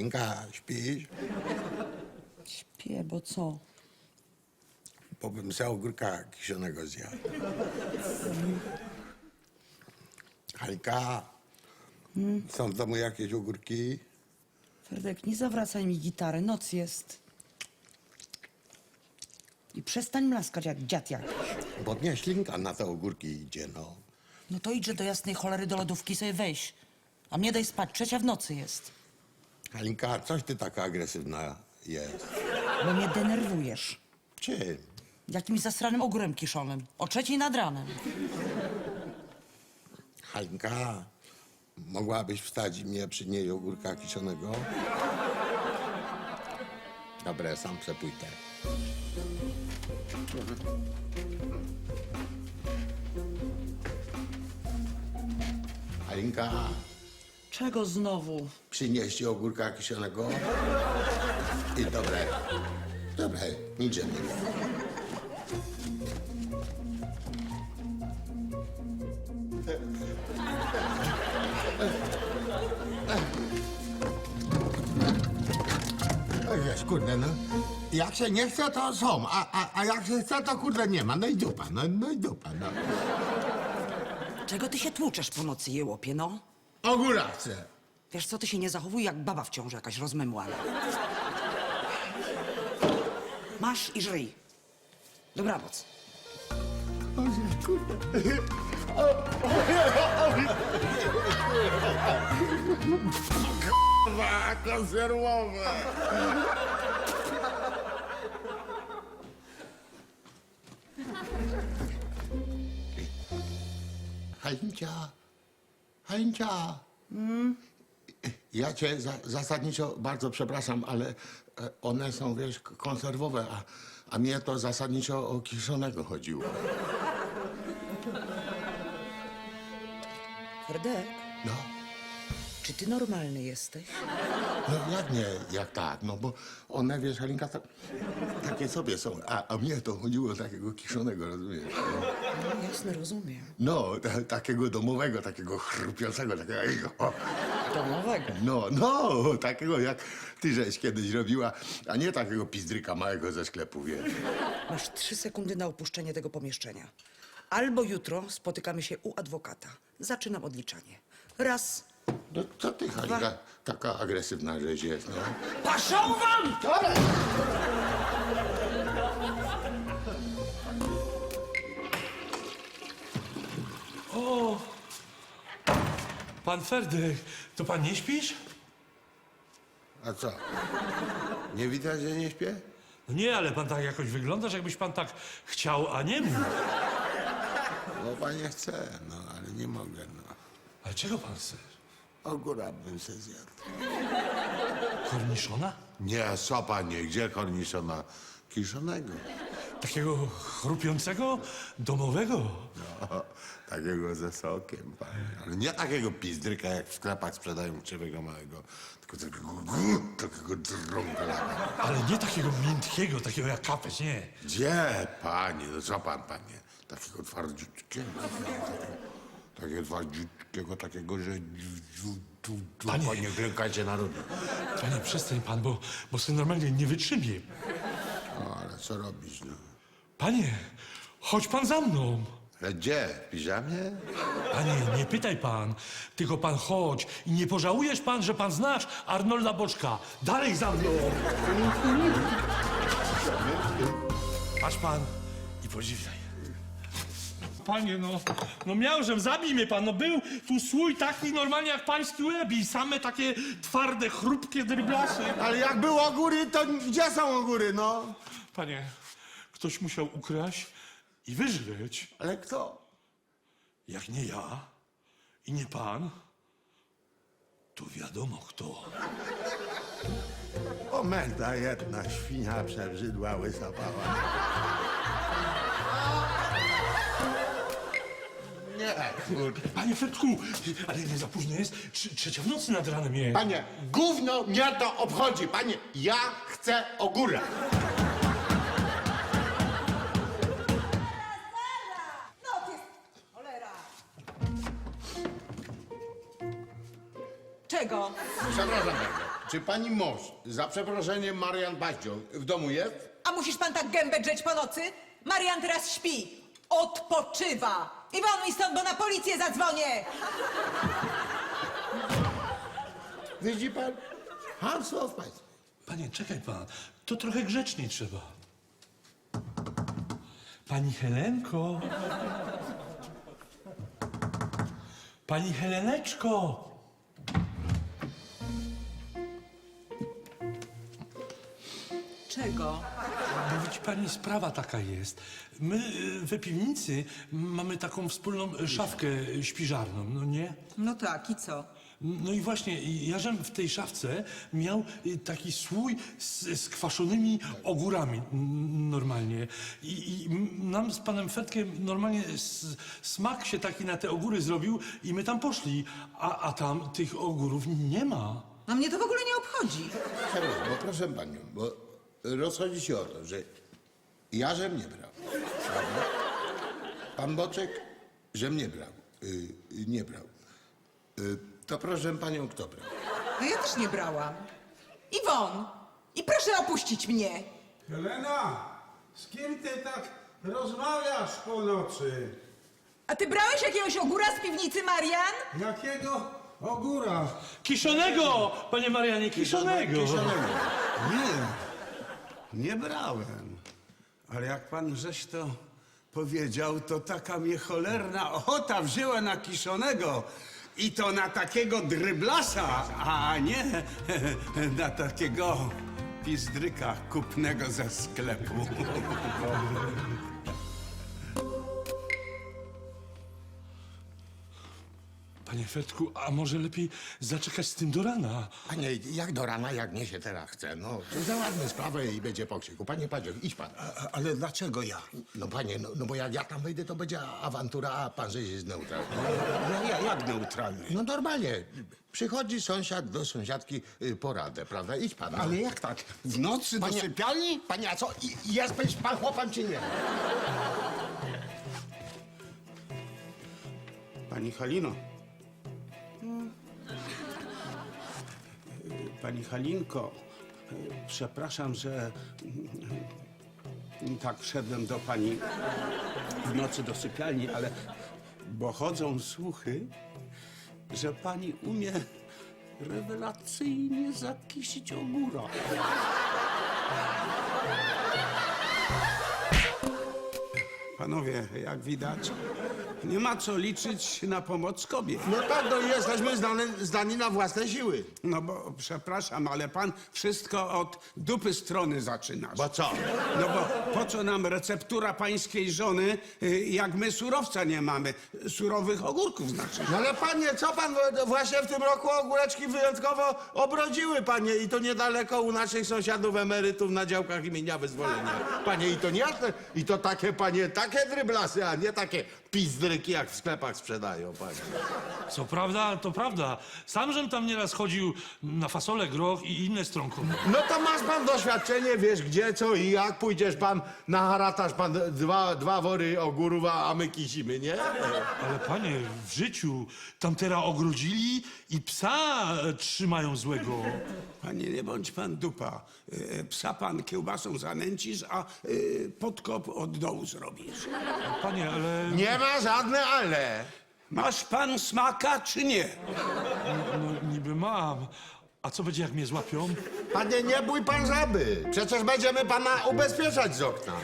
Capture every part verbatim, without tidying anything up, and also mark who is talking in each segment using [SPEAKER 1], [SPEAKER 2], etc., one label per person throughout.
[SPEAKER 1] Halinka, śpisz?
[SPEAKER 2] Śpię, bo co?
[SPEAKER 1] Bo bym sobie ogórka kiszonego zjadł. Halinka, są w domu jakieś ogórki?
[SPEAKER 2] Fredek, nie zawracaj mi gitary, noc jest. I przestań mlaskać jak dziad jakiś.
[SPEAKER 1] Bo nie ślinka na te ogórki idzie, no.
[SPEAKER 2] No to idźże do jasnej cholery do lodówki sobie weź. A mnie daj spać, trzecia w nocy jest.
[SPEAKER 1] Halinka, coś ty taka agresywna jest.
[SPEAKER 2] Bo mnie denerwujesz.
[SPEAKER 1] Czym?
[SPEAKER 2] Jakimś zasranym ogórem kiszonym. O trzeciej nad ranem.
[SPEAKER 1] Halinka, mogłabyś wstać i mnie przynieść ogórka kiszonego? Dobra, sam przepójdę. Halinka,
[SPEAKER 2] Czego znowu?
[SPEAKER 1] przynieść ogórka kiszonego? I dobre. Dobre, niczym nie wiem. Wiesz, kurde, no. Jak się nie chce, to są, a, a, a jak się chce, to kurde nie ma. No i dupa, no, no i dupa, no.
[SPEAKER 2] Czego ty się tłuczesz po nocy, jełopie, no?
[SPEAKER 1] Ogóra chcę.
[SPEAKER 2] Wiesz co, ty się nie zachowuj jak baba w ciąży jakaś rozmemłana. Masz i żyj. Dobranoc.
[SPEAKER 1] Kurwa, konserwowe. Hańcia, Hańcia. Mm? Ja cię za, zasadniczo bardzo przepraszam, ale e, one są, wiesz, k- konserwowe, a, a mnie to zasadniczo o kiszonego chodziło.
[SPEAKER 2] Fredek,
[SPEAKER 1] No,
[SPEAKER 2] czy ty normalny jesteś?
[SPEAKER 1] no jak nie, jak tak, no bo one, wiesz, Halinka, ta, takie sobie są, a, a mnie to chodziło o takiego kiszonego, rozumiesz?
[SPEAKER 2] No jasne, rozumiem.
[SPEAKER 1] No, ta, takiego domowego, takiego chrupiącego, takiego... O.
[SPEAKER 2] Domowego.
[SPEAKER 1] No, no, takiego jak ty żeś kiedyś robiła, a nie takiego pizdryka małego ze sklepu, wiesz.
[SPEAKER 2] Masz trzy sekundy na opuszczenie tego pomieszczenia. Albo jutro spotykamy się u adwokata. Zaczynam odliczanie. Raz.
[SPEAKER 1] No co ty, Halika, taka agresywna żeś jest, no.
[SPEAKER 2] Paszą wam!
[SPEAKER 1] Dobra!
[SPEAKER 3] O! Pan Ferdek, to pan nie śpisz?
[SPEAKER 1] A co? Nie widać, że nie śpię?
[SPEAKER 3] No nie, ale pan tak jakoś wyglądasz, jakbyś pan tak chciał, a nie mógł.
[SPEAKER 1] No, panie chce, no, ale nie mogę, no.
[SPEAKER 3] Ale czego pan chce?
[SPEAKER 1] Ogóra bym se zjadł.
[SPEAKER 3] Korniszona?
[SPEAKER 1] Nie, co panie, gdzie korniszona? Kiszonego.
[SPEAKER 3] Takiego chrupiącego, domowego?
[SPEAKER 1] No, takiego ze sokiem, panie. Ale nie takiego pizdryka, jak w sklepach sprzedają krzywego małego, tylko takiego, takiego drąga.
[SPEAKER 3] Ale nie takiego miętkiego, takiego jak kapeć, nie.
[SPEAKER 1] Gdzie, panie, no co pan, panie? Takiego twardziutkiego, takiego, takiego twardziutkiego, takiego, że tu, tu, tu,
[SPEAKER 3] Panie.
[SPEAKER 1] panie, klękajcie narodu.
[SPEAKER 3] Panie, przestań pan, bo, bo sobie normalnie nie wytrzymie.
[SPEAKER 1] No, ale co robić, no?
[SPEAKER 3] Panie, chodź pan za mną.
[SPEAKER 1] Ale gdzie? W piżamie?
[SPEAKER 3] Panie, nie pytaj pan, tylko pan chodź i nie pożałujesz pan, że pan znasz Arnolda Boczka. Dalej za mną! Patrz pan i podziwiaj. Panie, no, no miałżem, zabij mnie pan, no był tu słój taki normalnie jak pański łeb i same takie twarde, chrupkie dryblasy.
[SPEAKER 1] Ale jak było góry, to gdzie są góry, no?
[SPEAKER 3] Panie, ktoś musiał ukraść i wyżreć.
[SPEAKER 1] Ale kto?
[SPEAKER 3] Jak nie ja i nie pan, to wiadomo kto.
[SPEAKER 1] O, merda jedna, świnia przebrzydła, łysapała. Nie, kurde.
[SPEAKER 3] Panie Fredku, ale nie za późno jest? Trze- Trzecia w nocy nad ranem jest.
[SPEAKER 1] Panie, gówno mnie to obchodzi. Panie, ja chcę ogóra.
[SPEAKER 4] No ty, cholera!
[SPEAKER 2] Czego?
[SPEAKER 1] Przepraszam bardzo. czy pani mąż, za przeproszeniem Marian Baździo, w domu jest?
[SPEAKER 4] A musisz pan tak gębę drzeć po nocy? Marian teraz śpi. Odpoczywa. I won mi stąd, bo na policję zadzwonię.
[SPEAKER 1] Widzi pan? Hamstwo w państwie.
[SPEAKER 3] Panie, czekaj pan, to trochę grzeczniej trzeba. Pani Helenko. Pani Heleneczko.
[SPEAKER 4] Czego?
[SPEAKER 3] Bo widzi pani, sprawa taka jest. My y, we piwnicy mamy taką wspólną y, szafkę y, śpiżarną, no nie?
[SPEAKER 4] No tak, i co?
[SPEAKER 3] No i właśnie, ja żem w tej szafce miał y, taki słój z, z kwaszonymi ogórami n- normalnie. I, I m- nam z panem Fetkiem normalnie s, smak się taki na te ogóry zrobił i my tam poszli, a, a tam tych ogórów nie ma.
[SPEAKER 4] No mnie to w ogóle nie obchodzi.
[SPEAKER 1] Serio, bo proszę panią, bo rozchodzi się o to, że ja żem nie brał, prawda? Pan Boczek żem nie brał, y, nie brał. Y, to proszę panią, kto brał?
[SPEAKER 4] No ja też nie brałam. Iwon! I proszę opuścić mnie.
[SPEAKER 5] Helena, z kim ty tak rozmawiasz po nocy?
[SPEAKER 4] A ty brałeś jakiegoś ogóra z piwnicy, Marian?
[SPEAKER 5] Jakiego ogóra?
[SPEAKER 3] Kiszonego, panie Marianie, kiszonego.
[SPEAKER 1] Kiszonego.
[SPEAKER 5] Nie, nie brałem. Ale jak pan żeś to powiedział, to taka mnie cholerna ochota wzięła na kiszonego. I to na takiego dryblasa, a nie na takiego pizdryka kupnego ze sklepu.
[SPEAKER 3] Panie Fetku, a może lepiej zaczekać z tym do rana?
[SPEAKER 1] Panie, jak do rana, jak mnie się teraz chce, no, to załatwmy sprawę i będzie po krzyku. Panie Padzie, idź pan.
[SPEAKER 5] Ale dlaczego ja?
[SPEAKER 1] No panie, no, no bo jak ja tam wejdę, to będzie awantura, a pan że jest neutralny.
[SPEAKER 5] Ja, ja, jak neutralny?
[SPEAKER 1] No normalnie, przychodzi sąsiad do sąsiadki y, po radę, prawda? Idź pan.
[SPEAKER 5] Ale jak tak? W nocy do
[SPEAKER 1] Panie-
[SPEAKER 5] sypialni?
[SPEAKER 1] Panie, a co, i- jest pan chłopem czy nie?
[SPEAKER 5] Pani Halino. Pani Halinko, przepraszam, że tak wszedłem do pani w nocy do sypialni, ale bo chodzą słuchy, że pani umie rewelacyjnie zakisić ogóra. Panowie, jak widać, nie ma co liczyć na pomoc kobiet.
[SPEAKER 1] No tak, no i jesteśmy zdani, zdani na własne siły.
[SPEAKER 5] No bo przepraszam, ale pan wszystko od dupy strony zaczynasz.
[SPEAKER 1] Bo co?
[SPEAKER 5] No bo po co nam receptura pańskiej żony, y, jak my surowca nie mamy? Surowych ogórków znaczy.
[SPEAKER 1] No ale panie, co pan, no właśnie w tym roku ogóreczki wyjątkowo obrodziły, panie, i to niedaleko u naszych sąsiadów emerytów na działkach imienia Wyzwolenia. Panie, i to nie, i to takie, panie, takie dryblasy, a nie takie pizdryki, jak w sklepach sprzedają, panie.
[SPEAKER 3] Co prawda, to prawda. Sam żem tam nieraz chodził na fasolę, groch i inne stronkowe.
[SPEAKER 1] No to masz pan doświadczenie, wiesz gdzie, co i jak, pójdziesz pan na harataż, pan dwa, dwa wory ogórów, a a my kisimy, nie?
[SPEAKER 3] Ale panie, w życiu tam teraz ogrodzili i psa e, trzymają złego.
[SPEAKER 5] Panie, nie bądź pan dupa. Y, Psa pan kiełbasą zanęcisz, a y, podkop od dołu zrobisz.
[SPEAKER 3] Panie, ale...
[SPEAKER 1] Nie ma żadne ale.
[SPEAKER 5] Masz pan smaka, czy nie?
[SPEAKER 3] No niby mam. A co będzie, jak mnie złapią?
[SPEAKER 1] Panie, nie bój pan żaby. Przecież będziemy pana ubezpieczać z okna.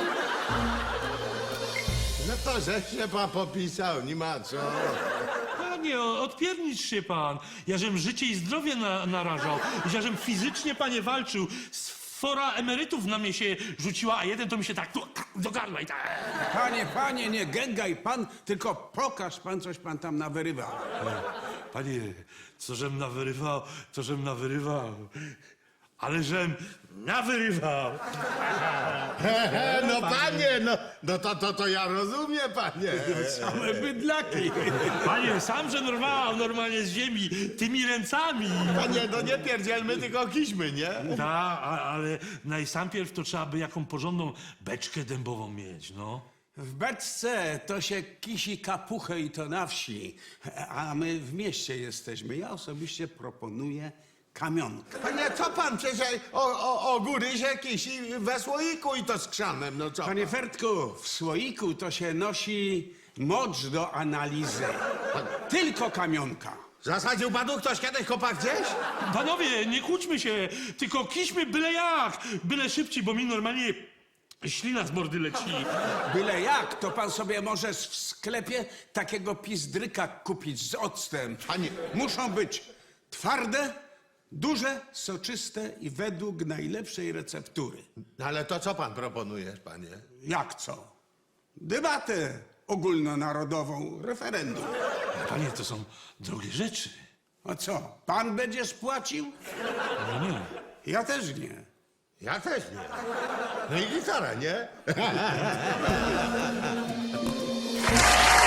[SPEAKER 1] No to żeś się pan popisał, nie ma co.
[SPEAKER 3] Panie, o- odpiernicz się pan. Ja żem życie i zdrowie na, narażał. Ja żem fizycznie, panie, walczył. Sfora emerytów na mnie się rzuciła, a jeden to mi się tak tu, do gardła i tak...
[SPEAKER 5] Panie, panie, nie gęgaj pan, tylko pokaż pan, coś pan tam nawyrywał.
[SPEAKER 3] Panie, co żem nawyrywał, to żem nawyrywał. Ale żem nawyrywał.
[SPEAKER 1] He, no panie, no, no to, to, to ja rozumiem, panie.
[SPEAKER 5] Same bydlaki.
[SPEAKER 3] Panie, sam żem rwał normalnie z ziemi, tymi ręcami.
[SPEAKER 1] Panie, no nie pierdzielmy, tylko kiśmy, nie?
[SPEAKER 3] Ta, a, ale najsampierw to trzeba by jaką porządną beczkę dębową mieć, no.
[SPEAKER 5] W beczce to się kisi kapuchę i to na wsi, a my w mieście jesteśmy. Ja osobiście proponuję kamionka.
[SPEAKER 1] Panie, co pan przecież o, o, o góry się kisi we słoiku i to z krzanem, no co?
[SPEAKER 5] Panie Fertku, w słoiku to się nosi mocz do analizy. Tylko kamionka.
[SPEAKER 1] Zasadził panu ktoś kiedyś kopa gdzieś?
[SPEAKER 3] Panowie, nie kłóćmy się, tylko kiśmy byle jak, byle szybciej, bo mi normalnie ślina z mordy leci.
[SPEAKER 5] Byle jak, to pan sobie może w sklepie takiego pizdryka kupić z octem.
[SPEAKER 1] Panie-
[SPEAKER 5] Muszą być twarde, duże, soczyste i według najlepszej receptury.
[SPEAKER 1] No ale to co pan proponujesz, panie?
[SPEAKER 5] Jak co? Debatę ogólnonarodową, referendum.
[SPEAKER 3] Panie, to są drogie rzeczy.
[SPEAKER 5] A co, pan będziesz płacił?
[SPEAKER 3] No nie.
[SPEAKER 5] Ja też nie.
[SPEAKER 1] Ja też nie. No i gitara, nie?